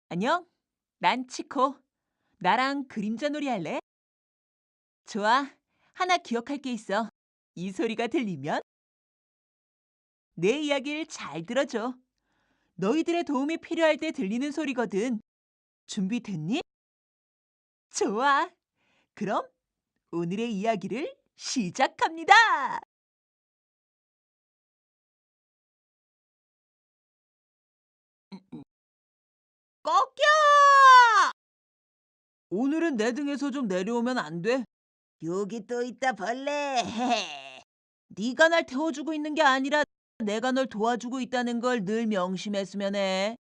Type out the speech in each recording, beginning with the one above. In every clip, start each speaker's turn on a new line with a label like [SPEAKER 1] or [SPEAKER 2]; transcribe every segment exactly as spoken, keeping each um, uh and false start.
[SPEAKER 1] 안녕? 난 치코. 나랑 그림자 놀이 할래? 좋아. 하나 기억할 게 있어. 이 소리가 들리면 내 이야기를 잘 들어줘. 너희들의 도움이 필요할 때 들리는 소리거든. 준비됐니? 좋아. 그럼 오늘의 이야기를 시작합니다. 꺾여! 오늘은 내 등에서 좀 내려오면 안 돼? 여기 또 있다 벌레. 네가 날 태워주고 있는 게 아니라 내가 널 도와주고 있다는 걸 늘 명심했으면 해.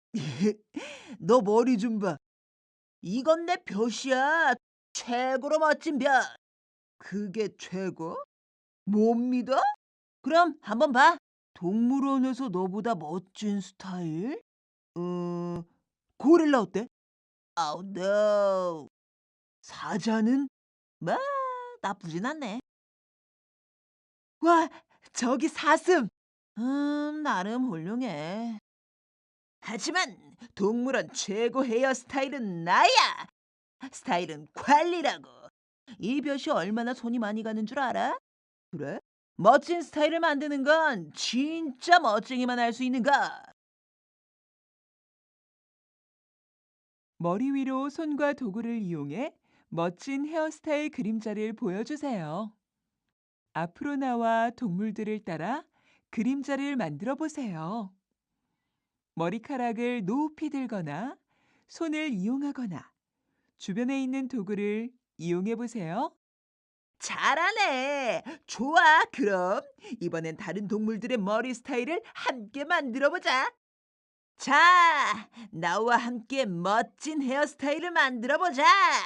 [SPEAKER 1] 너 머리 좀 봐. 이건 내 볕이야. 최고로 멋진 볕. 그게 최고? 못 믿어? 그럼 한번 봐. 동물원에서 너보다 멋진 스타일? 어, 고릴라 어때? 아우, 노. 사자는? 뭐, 나쁘진 않네. 와, 저기 사슴. 음, 나름 훌륭해. 하지만 동물원 최고 헤어스타일은 나야. 스타일은 관리라고. 이 볕이 얼마나 손이 많이 가는 줄 알아? 그래? 멋진 스타일을 만드는 건 진짜 멋쟁이만 할 수 있는 거. 머리 위로 손과 도구를 이용해 멋진 헤어스타일 그림자를 보여주세요. 앞으로 나와 동물들을 따라 그림자를 만들어 보세요. 머리카락을 높이 들거나 손을 이용하거나 주변에 있는 도구를 이용해 보세요. 잘하네. 좋아. 그럼 이번엔 다른 동물들의 머리 스타일을 함께 만들어 보자. 자, 나와 함께 멋진 헤어스타일을 만들어 보자.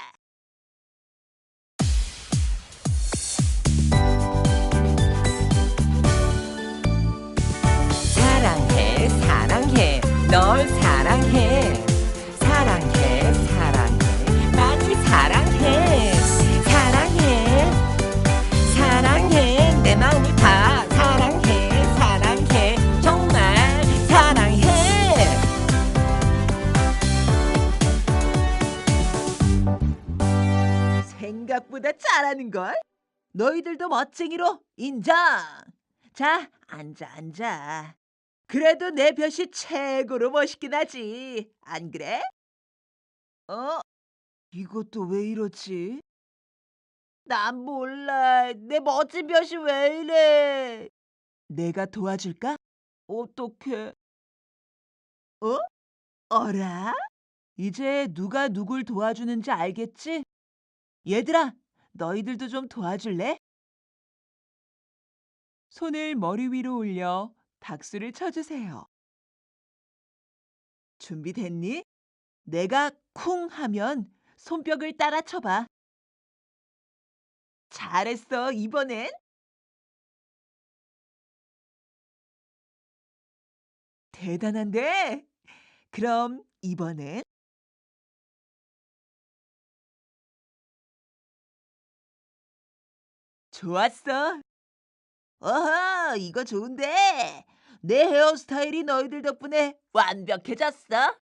[SPEAKER 2] 사랑해 사랑해 널 사랑해 사랑해 사랑해 많이 사랑해 사랑해 사랑해 내 마음을 다 사랑해 사랑해 정말 사랑해
[SPEAKER 1] 생각보다 잘하는 걸. 너희들도 멋쟁이로 인정. 자, 앉아 앉아. 그래도 내 볕이 최고로 멋있긴 하지. 안 그래? 어? 이것도 왜 이러지? 난 몰라. 내 멋진 볕이 왜 이래? 내가 도와줄까? 어떡해? 어? 어라? 이제 누가 누굴 도와주는지 알겠지? 얘들아, 너희들도 좀 도와줄래? 손을 머리 위로 올려 박수를 쳐주세요. 준비됐니? 내가 쿵 하면 손뼉을 따라 쳐봐. 잘했어, 이번엔. 대단한데? 그럼 이번엔 좋았어. 어허, 이거 좋은데? 내 헤어스타일이 너희들 덕분에 완벽해졌어.